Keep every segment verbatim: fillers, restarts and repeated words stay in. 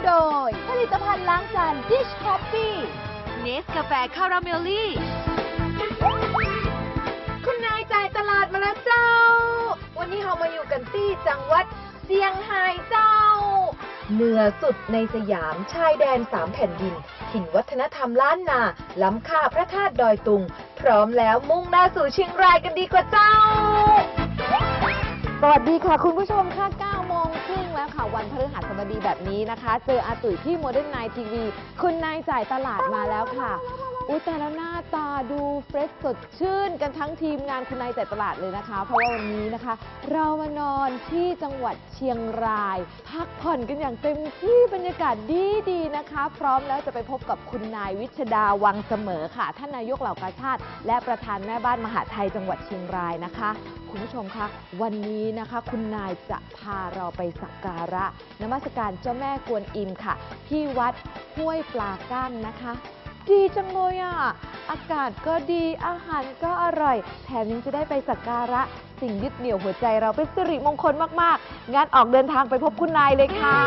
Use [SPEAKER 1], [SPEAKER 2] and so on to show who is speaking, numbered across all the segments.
[SPEAKER 1] โดยผลิตภัณฑ์ล้างจาน Dish Coffee เนสกาแฟคาราเมลลี่คุณนายจ่ายตลาดมาแล้วเจ้าวันนี้เรามาอยู่กันที่จังหวัดเซี่ยงไฮ้เจ้าเหนือสุดในสยามชายแดนสามแผ่นดินถิ่นวัฒนธรรมล้านนาล้ำค่าพระธาตุดอยตุงพร้อมแล้วมุ่งหน้าสู่เชียงรายกันดีกว่าเจ้าสวัสดีค่ะคุณผู้ชมค่ะเก้าโมงครึ่งแล้วค่ะวันพฤหัสบดีแบบนี้นะคะเจออาตุ๋ยที่ Modern Night ที วี คุณนายจ่ายตลาดมาแล้วค่ะอุ้ยแต่แล้วหน้าตาดูเฟรชสดชื่นกันทั้งทีมงานคุณนายจ่ายตลาดเลยนะคะเพราะว่าวันนี้นะคะเรามานอนที่จังหวัดเชียงรายพักผ่อนกันอย่างเต็มที่บรรยากาศดีดีนะคะพร้อมแล้วจะไปพบกับคุณนายวิชดาวังเสมอค่ะท่านนายกเหล่ากาชาติและประธานแม่บ้านมหาไทยจังหวัดเชียงรายนะคะคุณผู้ชมคะวันนี้นะคะคุณนายจะพาเราไปสักการะนมัสการเจ้าแม่กวนอิมค่ะที่วัดห้วยปลาก้างนะคะดีจังเลยอ่ะอากาศก็ดีอาหารก็อร่อยแถมยังจะได้ไปสักการะสิ่งยึดเหนี่ยวหัวใจเราเป็นสิริมงคลมากๆงั้นออกเดินทางไปพบคุณนายเลยค่ะ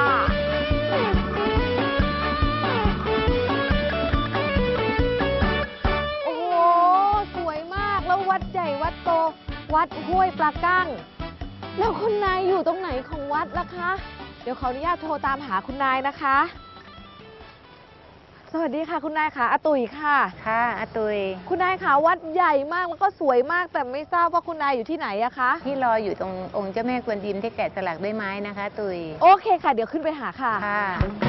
[SPEAKER 1] โอ้โหสวยมากแล้ววัดใหญ่วัดโตวัดห้วยปลาก้างแล้วคุณนายอยู่ตรงไหนของวัดล่ะคะเดี๋ยวขออนุญาตโทรตามหาคุณนายนะคะสวัสดีค่ะคุณนายค่ะอาตุ๋ยค่ะ
[SPEAKER 2] ค่ะอาตุย
[SPEAKER 1] คุณนายค่ะวัดใหญ่มากแล้วก็สวยมากแต่ไม่ทราบว่าคุณนายอยู่ที่ไหนอะคะ
[SPEAKER 2] ที่รออยู่ตรงองค์เจ้าแม่กวนอิมที่แกะสลักด้วยไม้นะคะตุย
[SPEAKER 1] โอเคค่ะเดี๋ยวขึ้นไปหาค่ะ
[SPEAKER 2] ค่ะ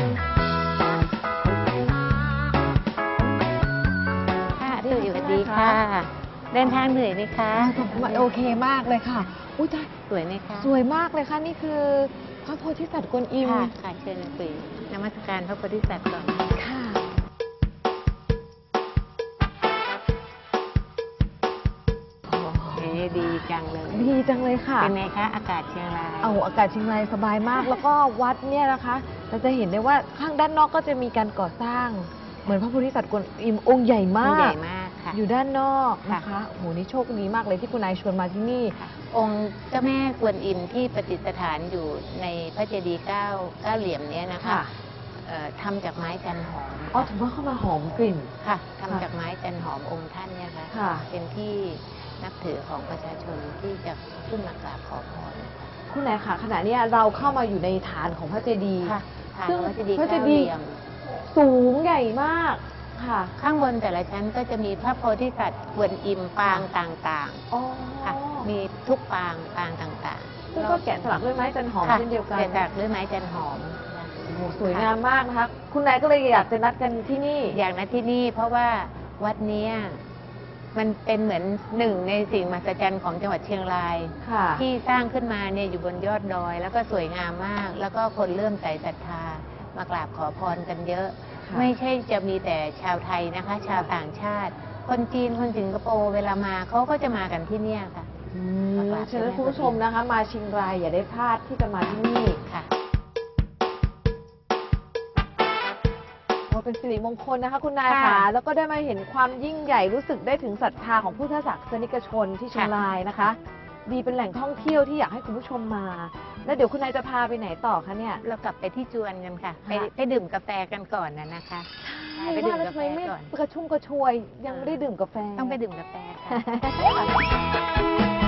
[SPEAKER 2] ค่ะตุยสวัสดีค่ะเดินทางเหนื่อยไหมคะ
[SPEAKER 1] โอเคมากเลยค่ะอุ้ย
[SPEAKER 2] สวยไหมคะ
[SPEAKER 1] สวยมากเลยค่ะนี่คือพระโพธิสัตว์กวนอิม
[SPEAKER 2] ค่ะค่ะเชิญตุยนมัสการพระโพธิสัตว์ก่อน
[SPEAKER 1] ค่ะ
[SPEAKER 2] ดีจังเลย
[SPEAKER 1] ดีจังเลยค่ะ
[SPEAKER 2] เป็นไงคะอากาศเชียงราย
[SPEAKER 1] เอาอากาศเชียงรายสบายมากแล้วก็วัดเนี่ยนะคะเราจะเห็นได้ว่าข้างด้านนอกก็จะมีการก่อสร้างเหมือนพระโพธิสัตว์กวนอิมองค์ใหญ่มาก
[SPEAKER 2] ใหญ่มากค่ะ
[SPEAKER 1] อยู่ด้านนอกนะคะโหนี่โชคดีมากเลยที่คุณนายชวนมาที่นี่
[SPEAKER 2] องค์เจ้าแม่กวนอิมที่ประดิษฐานอยู่ในพระเจดีย์เก้าเก้าเหลี่ยมนี้นะคะทำจากไม้จันหอม
[SPEAKER 1] อ๋อถือว่าเข้ามาหอมกลิ่น
[SPEAKER 2] ค่ะทำจากไม้จันหอมองค์ท่านเนี่ยค่ะเป็นที่นับถือของประชาชนที่จะขึ้นมากราบขอพร
[SPEAKER 1] คุณนายค่ะขณะนี้เราเข้ามาอยู่ในฐานของพระเจดีย์
[SPEAKER 2] ซึ่งพระเจดีย์เก้าเหลี่ยม
[SPEAKER 1] สูงใหญ่มากค่ะ
[SPEAKER 2] ข้างบนแต่ละชั้นก็จะมีพระโพธิสัตว์กวนอิมปางต่างๆค่ะมีทุกปางปางต่าง
[SPEAKER 1] ๆซึ่งก็แกะสลักด้วยไม้จันหอมเช่นเดียวกัน
[SPEAKER 2] แกะสลักด้วยไม้จันหอม
[SPEAKER 1] สวยงามมากนะคะคุณนายก็เลยอยากจะนัดกันที่นี่
[SPEAKER 2] อยากนัดที่นี่เพราะว่าวัดนี้มันเป็นเหมือนหนึ่งในสิ่งมหัศจรรย์ของจังหวัดเชียงรายที่สร้างขึ้นมาเนี่ยอยู่บนยอดดอยแล้วก็สวยงามมากแล้วก็คนเริ่มใส่ศรัทธามากราบขอพรกันเยอะไม่ใช่จะมีแต่ชาวไทยนะคะชาวต่างชาติคนจีนคนสิงคโปร์เวลามาเขาก็จะมากันที่นี่ค่ะ
[SPEAKER 1] ฉะนั้นคุณผู้ชมนะคะมาเชียงรายอย่าได้พลาดที่จะมาที่นี่
[SPEAKER 2] ค่ะ
[SPEAKER 1] เป็นสิริมงคลนะคะคุณนายค่ะแล้วก็ได้มาเห็นความยิ่งใหญ่รู้สึกได้ถึงศรัทธาของพุทธศาสนิกชนที่เชียงรายนะคะดีเป็นแหล่งท่องเที่ยวที่อยากให้คุณผู้ชมมาแล้วเดี๋ยวคุณนายจะพาไปไหนต่อคะเนี่ย
[SPEAKER 2] เรากลับไปที่จวนกันค่ะไปไปดื่มกาแฟกันก่อนนะนะคะ
[SPEAKER 1] ไปดื่มกาแฟก่อนกระชุ่มกระชวยยังไม่ได้ดื่มกาแฟ
[SPEAKER 2] ต้องไปดื่มกาแฟค่ะ